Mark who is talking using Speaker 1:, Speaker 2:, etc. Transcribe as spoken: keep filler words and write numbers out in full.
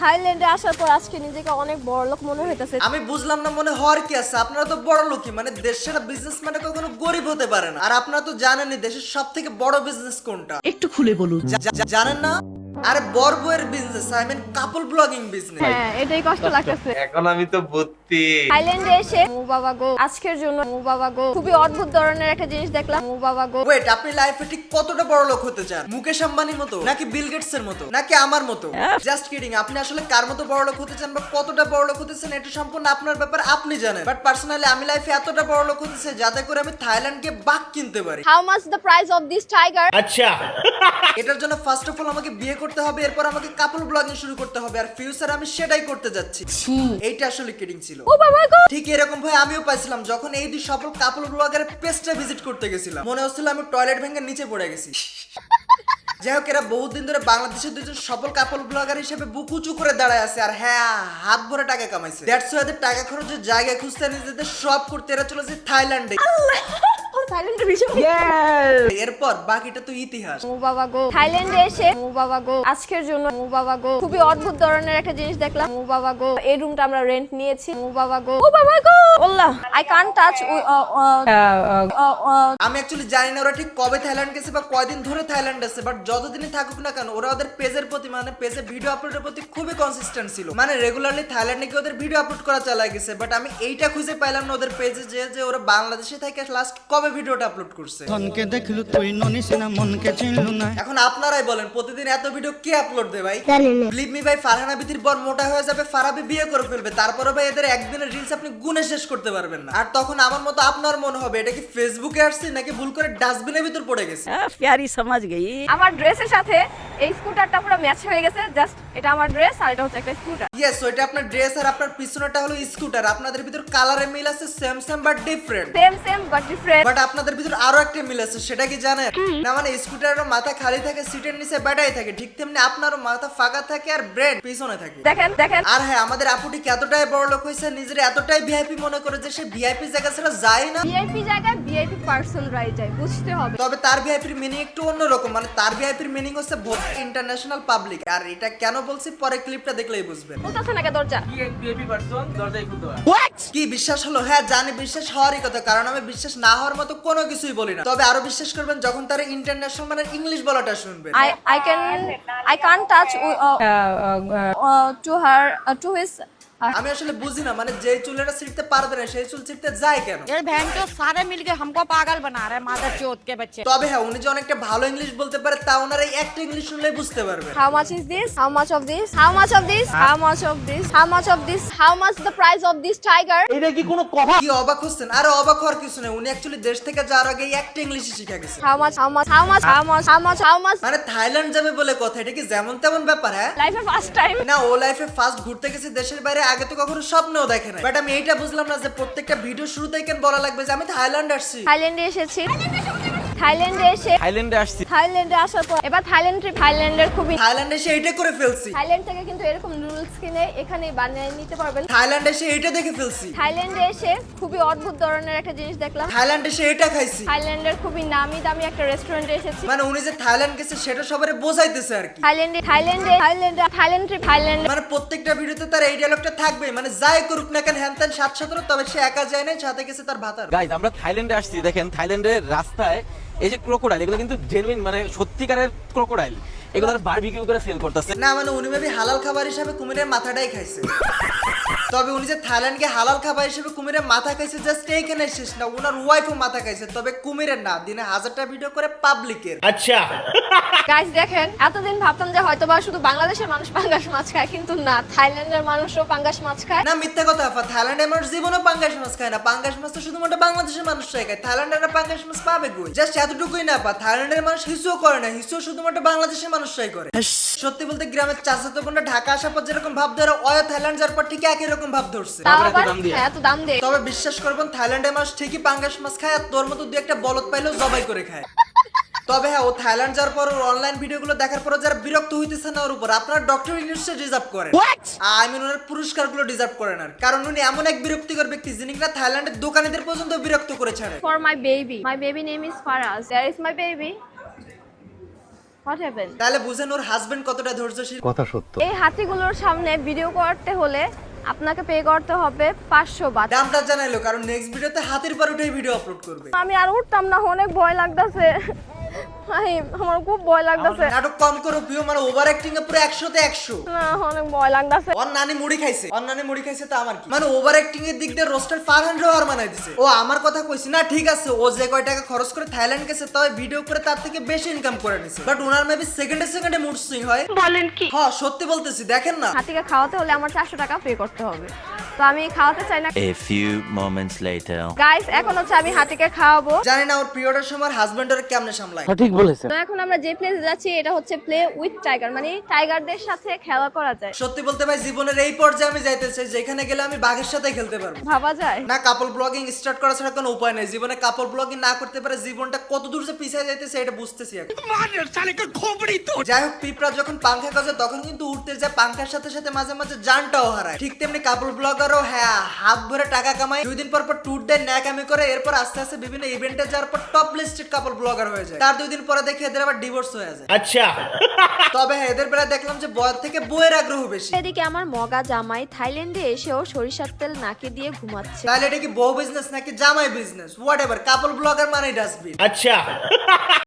Speaker 1: থাইল্যান্ডে আসার পর আজকে নিজেকে অনেক বড় লোক মনে হইতেছে।
Speaker 2: আমি বুঝলাম না মনে হওয়ার কি আছে, আপনারা তো বড় লোকই, মানে দেশের বিজনেস মানে কখনো গরিব হতে পারে না। আর আপনারা তো জানেনই দেশের সব থেকে বড় বিজনেস কোনটা,
Speaker 3: একটু খুলে বলুন।
Speaker 2: জা- জা- জানেন না? আরে বড় বউয়ের business, I mean couple blogging business.
Speaker 1: হ্যাঁ, এটাই কষ্ট লাগতেছে।
Speaker 4: এখন আমি তো ভর্তি।
Speaker 1: থাইল্যান্ডে এসে মু বাবা গো, আজকের জন্য মু বাবা গো, খুবই অদ্ভুত ধরনের একটা জিনিস দেখলাম। মু বাবা গো,
Speaker 2: ওয়েট, আপনি লাইফে ঠিক কতটা বড় লোক হতে চান? মুকেশ আম্বানির মতো নাকি বিল গেটস এর মতো নাকি আমার মতো? Just kidding. আপনি আসলে কার মতো বড় লোক হতে চান বা কতটা বড় লোক হতে চান এটা সম্পূর্ণ আপনার ব্যাপার, আপনি জানেন। বাট পার্সোনালি আমি লাইফে এতটা বড় লোক হতে চাই যাতে করে আমি থাইল্যান্ডকে বাঘ কিনতে পারি।
Speaker 1: How much the price of this tiger?
Speaker 4: আচ্ছা,
Speaker 2: এটার জন্য ফার্স্ট অফ অল আমাকে বিয়ে করতে হবে, এরপর আমাকে কাপল ব্লগিং শুরু করতে হবে, আর ফিউচারে আমি সেটাই করতে যাচ্ছি। এইটা আসলে কিডিং ছিল।
Speaker 1: ও বাবা গো,
Speaker 2: ঠিক এরকম ভাই আমিও পাইছিলাম যখন এই দুই সফল কাপল ব্লগারের পেজটা ভিজিট করতে গেছিলাম। মনে হচ্ছিল আমি টয়লেট ভেঙে নিচে পড়ে গেছি। যাই হোক, এরা বহুদিন ধরে বাংলাদেশের দুজন সফল কাপল ব্লগার হিসেবে বুক উঁচু করে দাঁড়ায় আছে, আর হ্যাঁ হাত ভরে টাকা কামাইছে। দ্যাটস ওয়াই এদের টাকা খরচের জায়গা খুঁজতে নিজেদের সব করতে এরা চলেছে থাইল্যান্ডে।
Speaker 1: থাইল্যান্ডের বিষয়।
Speaker 2: এরপর বাকিটা তো ইতিহাস।
Speaker 1: মু বাবা গো, থাইল্যান্ডে এসে মু বাবা গো, আজকের জন্য মু বাবা গো, খুবই অদ্ভুত ধরনের একটা জিনিস দেখলাম। মু বাবা গো, এই রুমটা আমরা রেন্ট নিয়েছি। মু বাবা গো, ও বাবা গো, আল্লাহ, আই কান্ট টাচ।
Speaker 2: আমি অ্যাকচুয়ালি জানি না ওরা ঠিক কবে থাইল্যান্ড গেছে বা কয়দিন ধরে থাইল্যান্ড আছে, বাট যতদিনই থাকুক না কেন ওরা ওদের পেজের প্রতি মানে পেজে ভিডিও আপলোডের প্রতি খুবই কনসিস্টেন্ট ছিল। মানে রেগুলারলি থাইল্যান্ডে গিয়ে ওদের ভিডিও আপলোড করা চালায় গেছে। বাট আমি এইটা খুঁজে পাইলাম না ওদের পেজে যে যে ওরা বাংলাদেশে থেকে লাস্ট কবে ভিডিওটা আপলোড করছে।
Speaker 5: ধনকে দেখলু তুই ননিস না মনকে চিনলু না।
Speaker 2: এখন আপনারাই বলেন প্রতিদিন এত ভিডিও কে আপলোড দেয় ভাই? বিলিভ মি ভাই, ফারহানা বিতির বর মোটা হয়ে যাবে, ফারাবি বিয়ে করে ফেলবে, তারপরে ভাই এদের একদিনের রিলস আপনি গুনে শেষ করতে পারবেন না। আর তখন আমার মতো আপনার মনে হবে এটা কি ফেসবুকে আসছে নাকি ভুল করে ডাস্টবিনের ভিতর পড়ে গেছে।
Speaker 3: প্যারি সমাজ গই।
Speaker 1: আমার ড্রেসের সাথে এই স্কুটারটা পুরো ম্যাচ হয়ে গেছে। জাস্ট এটা আমার ড্রেস আর এটা হচ্ছে একটা স্কুটার।
Speaker 2: ইয়েস, ওইটা আপনার ড্রেস আর আপনার পিছনেটা হলো স্কুটার। আপনাদের ভিতর কালারে মিল আছে, same same but different.
Speaker 1: Same same but different.
Speaker 2: But আপনাদের ভিতর আরো একটা মিল আছে, সেটা কি জানেন? না মানে স্কুটারের মাথা খালি থাকে, সিটের নিচে ব্যাটারি থাকে, ঠিক তেমনি আপনারও মাথা ফাঁকা থাকে আর ব্রেন পিছনে থাকে।
Speaker 1: দেখেন দেখেন,
Speaker 2: আর হ্যাঁ, আমাদের আপুটি এতটাই বড় লোক হয়েছে, নিজের এতটাই ভিআইপি মনে করে যে সে ভিআইপি জায়গা ছাড়া যায় না।
Speaker 1: ভিআইপি জায়গায় ভিআইপি পারসন রাই যায়, বুঝতে হবে।
Speaker 2: তবে তার ভিআইপির মিনিং একটু অন্যরকম, মানে তার ভিআইপির মিনিং হচ্ছে ইন্টারন্যাশনাল পাবলিক। আর এটা কেন বলছি পরে ক্লিপটা দেখলেই বুঝবেন।
Speaker 1: বলতেছে না কে দরজা?
Speaker 2: কি বিশ্বাস হলো? হ্যাঁ জানি, বিশ্বাস হওয়ারই কথা, কারণ আমি বিশ্বাস না হওয়ার মতো কোনো কিছুই বলি না। তবে আরো বিশ্বাস করবেন যখন তারা ইন্টারন্যাশনাল মানে ইংলিশ বলাটা শুনবেন।
Speaker 1: I I can I can't touch uh, uh, uh, to her uh, to his.
Speaker 2: আমি আসলে বুঝি না, মানে যে চুলটা ছিঁড়তে পারবে না সেই চুল ছিঁড়তে যায় কেন?
Speaker 3: ये बहन तो सारे मिलके हमको पागल बना रहे हैं, मादर चौथ के बच्चे।
Speaker 2: তবে হ্যাঁ, উনি যে অনেকটা ভালো ইংলিশ বলতে পারে তা ওনার এই একটা ইংলিশ শুনলেই বুঝতে পারবেন।
Speaker 1: How much is this? How much of this? How much of this? How much of this? How much of this? How much the price of this tiger?
Speaker 2: কি অবাক হচ্ছেন? আরে অবাক হওয়ার কিছু নেই, উনি অ্যাকচুয়ালি দেশ থেকে যাওয়ার আগে এই একটা ইংলিশই শিখে গেছে।
Speaker 1: How much? How much? How much? How much? How much? How much?
Speaker 2: মানে থাইল্যান্ড যাবে বলে কথা, এটা কি যেমন তেমন ব্যাপার? হ্যাঁ
Speaker 1: Life of first time.
Speaker 2: না, ও লাইফে ফার্স্ট ঘুরতে গেছে দেশের বাইরে, আগে তো কখনো স্বপ্নেও দেখে নাই। বাট আমি এইটা বুঝলাম না যে প্রত্যেকটা ভিডিও শুরুতেই কেন বলা লাগবে যে আমি থাইল্যান্ড আসছি।
Speaker 1: থাইল্যান্ডে এসেছি। থাইল্যান্ডে এসে
Speaker 4: থাইল্যান্ডে আসছি।
Speaker 1: থাইল্যান্ডে আসার পর এবার থাইল্যান্ড ট্রিপ। থাইল্যান্ডের খুবই
Speaker 2: থাইল্যান্ডে এসে এইটা করে ফেলছি।
Speaker 1: থাইল্যান্ড থেকে কিন্তু এরকম নুডলস কিনে এখানে বানিয়ে নিতে পারবেন।
Speaker 2: থাইল্যান্ডে এসে এইটা দেখে ফেলছি।
Speaker 1: থাইল্যান্ডে এসে খুবই অদ্ভুত ধরনের একটা জিনিস দেখলাম।
Speaker 2: থাইল্যান্ডে এসে এটা খাইছি।
Speaker 1: থাইল্যান্ডের খুবই নামি দামি একটা রেস্টুরেন্টে এসেছি।
Speaker 2: মানে উনি যে থাইল্যান্ড গেছে সেটা সবারে বোঝাইতেছে আর কি।
Speaker 1: থাইল্যান্ডে থাইল্যান্ডে থাইল্যান্ডে থাইল্যান্ড ট্রিপ। থাইল্যান্ড
Speaker 2: মানে প্রত্যেকটা ভিডিওতে তার এই ডায়লগটা থাকবে, মানে যাই করুক না কেন হ্যান ত্যান সাত সতেরো, তবে সে একা যায় না, সাথে গেছে তার ভাতার।
Speaker 4: গাইজ, আমরা থাইল্যান্ডে আসছি। দেখেন থাইল্যান্ডের রাস্তায় এই যে ক্রোকোডাইল, এগুলো কিন্তু জেনুইন মানে সত্যিকারের ক্রোকোডাইল, এগুলো বারবিকিউ করে সেল করতেছে।
Speaker 2: না মানে উনি ভাবি হালাল খাবার হিসাবে কুমিরের মাথাটাই খাইছে। তবে উনি যে থাইল্যান্ডকে হালাল খাবার হিসেবে কুমিরের মাথা খাইছে জাস্ট এইখানে শেষ না, ওনার ওয়াইফও মাথা খাইছে, তবে কুমিরের না, দিনে হাজারটা ভিডিও করে পাবলিকের।
Speaker 4: আচ্ছা,
Speaker 1: গাইস দেখেন, এতদিন ভাবতাম যে হয়তোবা শুধু বাংলাদেশের মানুষ পাঙ্গাস মাছ খায়, কিন্তু না, থাইল্যান্ডের মানুষও পাঙ্গাস মাছ খায়।
Speaker 2: না মিথ্যা কথা আপা, থাইল্যান্ডের মানুষ জীবনেও পাঙ্গাস মাছ খায় না। পাঙ্গাস মাছ তো শুধুমাত্র বাংলাদেশের মানুষরাই খায়, থাইল্যান্ডের পাঙ্গাস মাছ পাবে কই? জাস্ট এতটুকুই না আপা, থাইল্যান্ডের মানুষ হিসুও করে না, হিসুও শুধুমাত্র বাংলাদেশের মানুষরাই করে। সত্যি বলতে গ্রামের চাচাতো বোনরা ঢাকা আসার পর যেরকম ভাব ধরে, অয় থাইল্যান্ড যাওয়ার পর ঠিক একই রকম ভাব ধরছে।
Speaker 1: তাও
Speaker 4: এত
Speaker 1: আবার
Speaker 4: দাম দিয়ে।
Speaker 1: হ্যাঁ, এত দাম দিয়ে।
Speaker 2: তবে বিশ্বাস করবেন থাইল্যান্ডের মানুষ ঠিকই পাঙ্গাস মাছ খায়, আর তোর মতো দু একটা বলদ পাইলেও জবাই করে খায়। তবে হ্যাঁ, ও থাইল্যান্ড যাওয়ার পর ওর অনলাইন ভিডিওগুলো দেখার পর যারা বিরক্ত হইতেছে না ওর উপর, আপনারা ডক্টর ইউনিভার্সিটি ডিজার্ভ করেন। আই মিন ওনার পুরস্কারগুলো ডিজার্ভ করেন, আর কারণ উনি এমন এক বিরক্তিকর ব্যক্তি যিনি কিনা থাইল্যান্ডের দোকানীদের পর্যন্ত বিরক্ত করে ছাড়ে।
Speaker 1: For my baby, my baby name is Faraz. There is my baby. What happened?
Speaker 2: তাহলে বুঝেন ওর হাজবেন্ড কতটা ধৈর্যশীল।
Speaker 1: এই হাতিগুলোর সামনে ভিডিও করতে হলে আপনাকে পে করতে হবে পাঁচশো বাট।
Speaker 2: দামটা জানাইলো কারণ নেক্সট ভিডিওতে হাতির পর উঠে ভিডিও আপলোড করবে।
Speaker 1: আমি আর উঠতাম না, অনেক ভয় লাগতেছে। আমার খুব ভয় লাগতেছে।
Speaker 2: নাটক কম করো প্রিয়, মানে ওভার অ্যাক্টিং এ পুরো একশোতে একশো।
Speaker 1: না, অনেক ভয় লাগতেছে।
Speaker 2: ওর নানি মুড়ি খাইছে, ওর নানি মুড়ি খাইছে তো আমার কি, মানে ওভার অ্যাক্টিং এর দিক দিয়ে রোস্টার ফারহান রোহার বানাই দিছে। ও আমার কথা কইছি না, ঠিক আছে ও যে কয় টাকা খরচ করে থাইল্যান্ড গেছে তবে ভিডিও করে তার থেকে বেশি ইনকাম করে নিছে, বাট ওনার মেবি সেকেন্ডে সেকেন্ডে মুড সুইং হয়। বলেন কি? হ্যাঁ সত্যি বলতেছি, দেখেন না।
Speaker 1: হাতিকে খাওয়াতে হলে আমার চারশো টাকা পে করতে হবে, তো আমি খাওয়াতে চাই না।
Speaker 6: A few moments later.
Speaker 1: Guys, এখন হচ্ছে আমি হাতিকে খাওয়াবো।
Speaker 2: জানি না ওর পিরিয়ডের সময় হাজবেন্ড ওর কেমনে সামলায়।
Speaker 4: ঠিক বলেছেন।
Speaker 1: তো এখন আমরা যে প্লেসে যাচ্ছি এটা হচ্ছে প্লে উইথ টাইগার, মানে টাইগারদের সাথে খেলা করা যায়।
Speaker 2: সত্যি বলতে ভাই জীবনের এই পর্যায়ে আমি যাইতে চাই যেখানে গেলে আমি বাঘের সাথে খেলতে পারবো।
Speaker 1: ভাবা যায়
Speaker 2: না কাপল ব্লগিং স্টার্ট করা ছাড়া কোনো উপায় নেই। জীবনে কাপল ব্লগিং না করতে পারে জীবনটা কত দূর যে পিছিয়ে যাইতেছে এটা বুঝতেছি এখন। যাই হোক, পিঁপড়া যখন পাংখা গজে তখন কিন্তু উঠতে যায়, পাংখার সাথে সাথে মাঝে মাঝে জানটাও হারায়। ঠিক তেমনি কাপল ব্লগারও হ্যাঁ হাত ভরে টাকা কামায়, দুই দিন পর পর ট্যুর দেয়, ন্যাকামি করে, এরপর আস্তে আস্তে বিভিন্ন ইভেন্টে যাওয়ার পর টপ লিস্টেড কাপল ব্লগার হয়ে যায়। তার দুই দিন পরে দেখে এদের আবার ডিভোর্স হয়ে যায়। আচ্ছা তবে হ্যাঁ এদের বেলা দেখলাম যে বয়ের থেকে বইয়ের আগ্রহ বেশি।
Speaker 1: এদিকে আমার মগা জামাই থাইল্যান্ডে এসেও সরিষার তেল নাকে দিয়ে ঘুমাচ্ছে।
Speaker 2: তাহলে এটা কি বউ বিজনেস নাকি জামাই business? Whatever, couple blogger মানে ডাস্টবিন। আচ্ছা